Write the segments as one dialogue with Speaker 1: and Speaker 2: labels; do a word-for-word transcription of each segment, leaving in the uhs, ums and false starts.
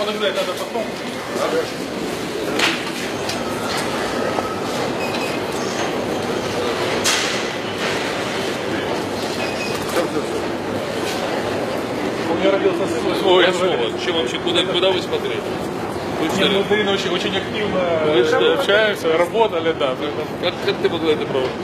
Speaker 1: подождать надо потом. У меня родился сын.
Speaker 2: Ой, что вообще, куда, куда вы смотрели? Вы
Speaker 1: Нет, мы с Дариной очень, очень активно
Speaker 2: что?
Speaker 1: общаемся, работали, да.
Speaker 2: Как, как ты могла это проводить?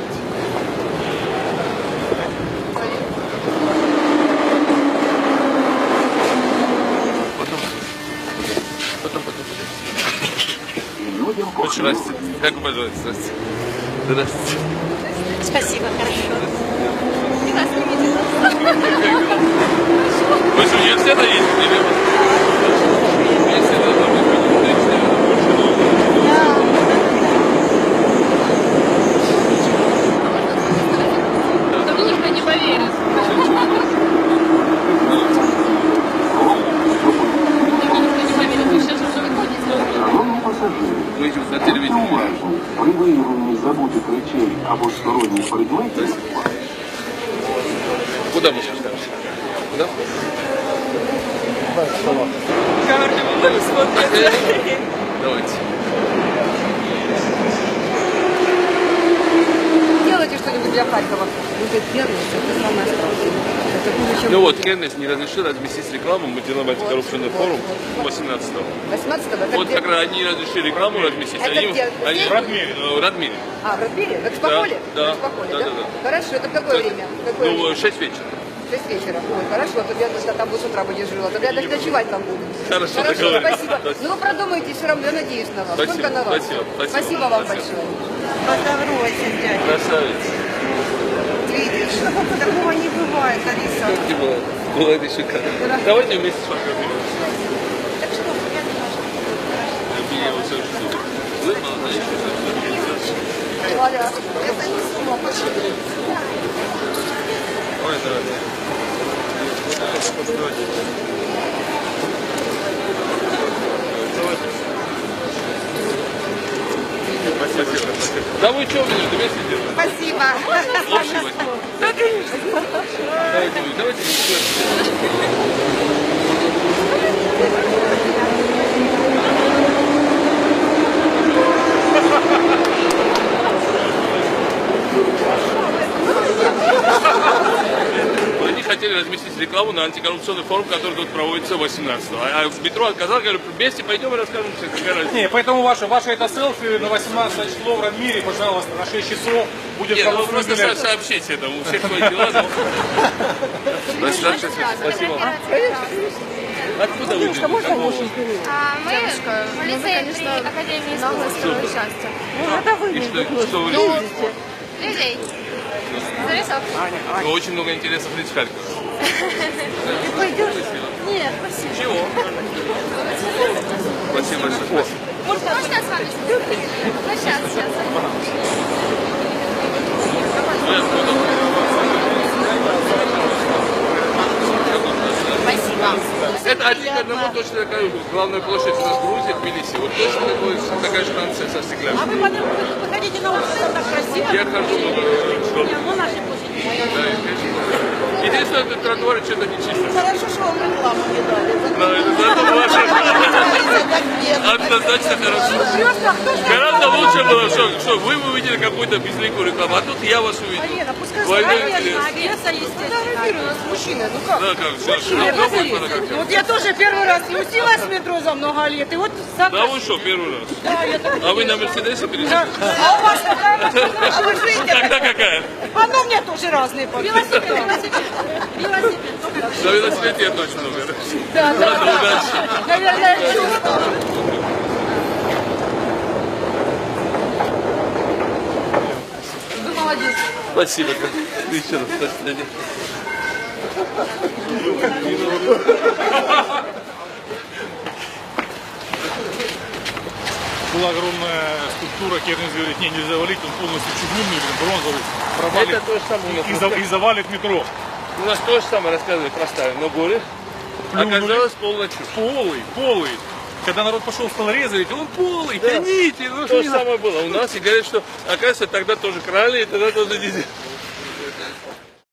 Speaker 2: Потом, потом, потом, потом. Очень здрасте. Как вы поживаете? Здрасте. Здрасте.
Speaker 3: Спасибо, хорошо. И вас не видела.
Speaker 2: Вы с университета ездите или вас? Университет, да, вы
Speaker 3: Да мне никто не поверит.
Speaker 2: Мы идем на телевидении.
Speaker 4: При виявленні забутих речей або сторонніх предметів.
Speaker 2: Куда мы сейчас скажем? Куда?
Speaker 3: Камеры не смотрят.
Speaker 2: Давайте.
Speaker 5: Делайте что-нибудь для Харькова. Будет первенство, это самое страшное. Это хуже, чем
Speaker 2: Ну вот,
Speaker 5: будет.
Speaker 2: Кеннес не разрешил разместить рекламу, мы делаем антикоррупционный форум восемнадцатого.
Speaker 5: восемнадцатого? Это
Speaker 2: Вот
Speaker 5: где?
Speaker 2: как раз они разрешили рекламу разместить,
Speaker 5: Это
Speaker 2: они,
Speaker 5: где?
Speaker 2: они
Speaker 5: Здесь?
Speaker 2: в Радмире. э, в Радмире.
Speaker 5: А, в Радмире? В Экспополе?
Speaker 2: Да, да.
Speaker 5: В Экспополе,
Speaker 2: Да,
Speaker 5: да?
Speaker 2: да, да.
Speaker 5: Хорошо, это в какое время? В какое
Speaker 2: Ну,
Speaker 5: время?
Speaker 2: шесть вечера.
Speaker 5: шесть вечера. Ой, хорошо, а то я тогда там с утра будешь жила. Тогда я ночевать там буду.
Speaker 2: Хорошо,
Speaker 5: Хорошо,
Speaker 2: договорились.
Speaker 5: спасибо.
Speaker 2: Спасибо.
Speaker 5: Ну вы продумайте все равно, я надеюсь на вас.
Speaker 2: Спасибо,
Speaker 5: Только на вас.
Speaker 2: спасибо, спасибо.
Speaker 5: Спасибо вам
Speaker 2: Спасибо.
Speaker 5: большое.
Speaker 6: Поздоровайся, дядя.
Speaker 2: Красавец.
Speaker 6: Видишь, такого не бывает, Алиса.
Speaker 2: Как не было? Было это шикарно. Давайте вместе сфотографируемся.
Speaker 6: Так что, я думаю, что
Speaker 2: Я вот все жду. Вы молодая.
Speaker 5: Валя.
Speaker 6: это не сумма.
Speaker 2: Ой, здравствуйте. Спасибо, спасибо. Да вы что, меня вместе держите?
Speaker 6: Спасибо.
Speaker 2: Общий возьмем. Давайте, давайте. Они хотели разместить рекламу на антикоррупционный форум, который тут проводится восемнадцатого. А в метро отказал, говорю, вместе пойдем и расскажем все, какая разница.
Speaker 1: Не, поэтому ваше, ваше это селфи на восемнадцатое число в Радмире, пожалуйста, на шесть часов будет
Speaker 2: Нет, ну
Speaker 1: голосовой
Speaker 2: просто
Speaker 1: билет.
Speaker 2: со- сообщите это, у всех свои дела. но- Спасибо. Спасибо. Откуда вы? Какого?
Speaker 7: А мы полицейские при Академии искусства счастья.
Speaker 2: И что, что вы
Speaker 7: Ну,
Speaker 2: любите?
Speaker 7: людей. Зарисовки.
Speaker 2: Ну, очень много интересных лиц в Харькове.
Speaker 7: Ты пойдешь? Нет, спасибо.
Speaker 2: Чего? Спасибо большое. Спасибо.
Speaker 7: Можно я с вами? Ну, сейчас, сейчас.
Speaker 2: Ну, я буду.
Speaker 7: Спасибо.
Speaker 2: Это один к одному точно такая главная площадь у нас в Грузии, в Тбилиси. Вот точно такой, такая же станция со стекляшкой.
Speaker 6: А вы потом выходите на улицу, так красиво.
Speaker 2: Я хожу много.
Speaker 6: Не, ну наши площади.
Speaker 2: Да, и, конечно. Единственное, тут тротуары что-то не чисто.
Speaker 6: Хорошо, что вам рекламу не дали.
Speaker 2: Да, это зато ваше. Однозначно хорошо. Гораздо лучше было, что, что вы увидели какую-то безликую рекламу, а тут я вас увидел.
Speaker 6: Лена, пускай
Speaker 2: Двойной
Speaker 6: конечно,
Speaker 2: интерес.
Speaker 6: Одесса, естественно.
Speaker 5: Фотографируй нас, мужчины, ну как?
Speaker 2: Да, как, что, что, что будет фотографировать?
Speaker 6: Вот я тоже первый раз спустилась в метро за много лет, и вот сам...
Speaker 2: Да вы что, первый раз?
Speaker 6: Да, я так...
Speaker 2: А вы на Мерседесе переехали?
Speaker 6: А у вас какая машина? А вы живете?
Speaker 2: Тогда какая?
Speaker 6: А ну, у меня тоже разные погоды. Велосипед, велосипед. Велосипед.
Speaker 2: На велосипеде я точно уверен.
Speaker 6: Да, да,
Speaker 2: Ладно,
Speaker 6: да.
Speaker 2: удачи.
Speaker 6: Наверное, чувствую.
Speaker 5: Вы молодец.
Speaker 2: Спасибо. Еще раз, спасибо.
Speaker 1: Была огромная скульптура, Кернес говорит, не, нельзя валить, он полностью чугунный, бронзовый, провалит
Speaker 2: Это то же самое у нас.
Speaker 1: и, за- и завалит метро.
Speaker 2: У нас то же самое рассказывали про Сталин, но горе.
Speaker 1: Плюнули.
Speaker 2: Оказалось полная чушь.
Speaker 1: Полый, полый. Когда народ пошел, стал резать, он полый, тяните. Ну,
Speaker 2: То
Speaker 1: не
Speaker 2: же
Speaker 1: знаю.
Speaker 2: самое было у нас. И говорят, что, оказывается, тогда тоже крали, и тогда тоже нельзя.